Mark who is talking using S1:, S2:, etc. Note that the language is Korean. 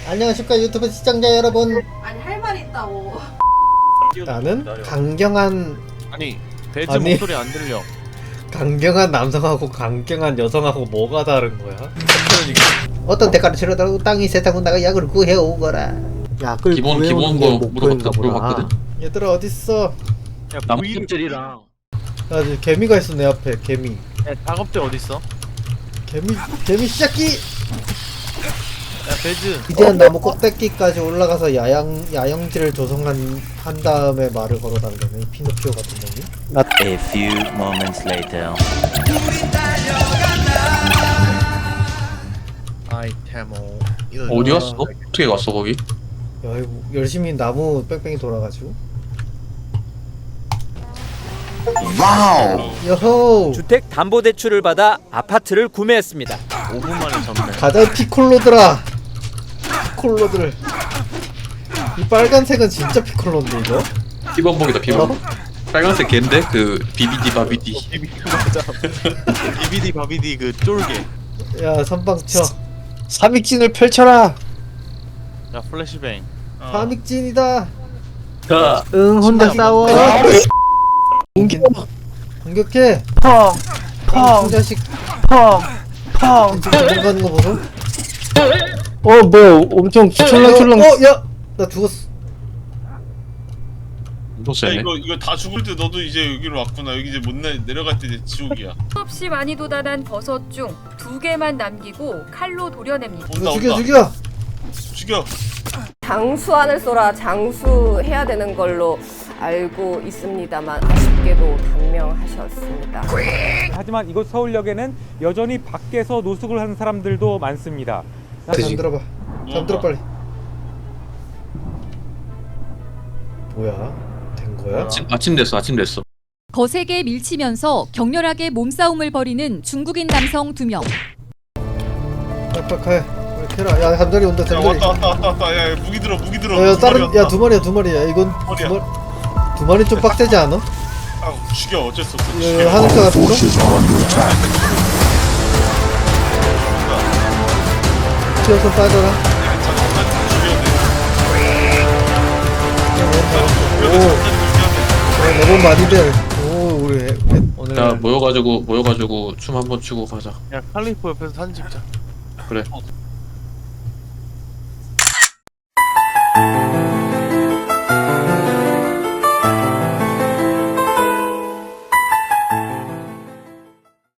S1: 안녕하십니까 유튜브 시청자 여러분.
S2: 아니 할 말 있다고.
S1: 나는 강경한
S3: 아니 배즈
S1: 아니.
S3: 목소리 안 들려.
S1: 강경한 남성하고 강경한 여성하고 뭐가 다른 거야?
S3: 그러니까
S1: 어떤 대가를 치르더라도 땅이 세상은 나가 약을 구해오거라. 약을
S4: 기본
S1: 구해오는 게
S4: 거
S1: 목표인가 보다.
S4: 물어봤거든.
S1: 얘들아 어딨어?
S3: 야
S4: 나무집들이랑
S1: 야 이제 개미가 있어 내 앞에. 개미.
S3: 야 작업대 어딨어?
S1: 개미 시작기.
S3: 야 배즈
S1: 이제는 나무 꼭대기까지 올라가서 야영지를 조성한 한 다음에 말을 걸어달라네. 이 피노키오 같은 놈이.
S5: A few moments later.
S3: 아이테모
S4: 어디 갔어? 어떻게 갔어 거기?
S1: 야 이거 열심히 나무 뺑뺑이 돌아가지고.
S5: 와우.
S1: 여호.
S6: 주택 담보 대출을 받아 아파트를 구매했습니다.
S3: 5분 만에 잡네.
S1: 가자 피콜로들아. 피콜로들. 이 빨간색은 진짜 피콜로인데 이거?
S4: 비범벅이다 비범벅.
S1: 어?
S4: 빨간색 걘데 그 비비디 바비디.
S3: 맞아. 비비디 바비디 그 쫄개.
S1: 야 선방쳐. 삼익진을 펼쳐라.
S3: 야 플래시뱅.
S1: 삼익진이다.
S4: 자,
S1: 응 혼자 싸워. 공격해. 펑. 자식. 펑. 들어가는 거 보소.
S7: 뭐야 엄청 촐랑촐랑.
S1: 야, 나 죽었어.
S4: 또
S8: 야,
S4: 세네.
S8: 이거 다 죽을 때 너도 이제 여기로 왔구나. 여기 이제 못 내려갈 때 이제 지옥이야.
S9: 수없이 많이 돋아난 버섯 중 2개만 남기고 칼로 도려냅니다.
S8: 온다
S1: 죽여
S8: 온다.
S1: 죽여.
S8: 죽여.
S2: 장수안을 쏘라 장수해야 되는 걸로 알고 있습니다만 아쉽게도 단명하셨습니다.
S10: 하지만 이곳 서울역에는 여전히 밖에서 노숙을 하는 사람들도 많습니다.
S1: 잠들어봐. 잠들어 빨리. 뭐야? 된 거야?
S4: 아침 됐어.
S9: 거세게 밀치면서 격렬하게 몸싸움을 벌이는 중국인 남성 2명.
S1: 빨리 캐라. 야 잠자리 온다
S8: 야
S1: 잠자리.
S8: 왔다. 야 무기 들어.
S1: 야 다른 두 마리야. 이건 두 마리 좀 빡세지 않아?
S8: 아 죽여. 어쩔 수 없어.
S1: 야, 하늘차 같은 거? 튀어서 빠져라. 너무 많이 돼. 오 우리 오늘
S4: 자 모여가지고 춤 한번 추고 가자.
S3: 야 칼리포 옆에서 사진 찍자.
S4: 그래.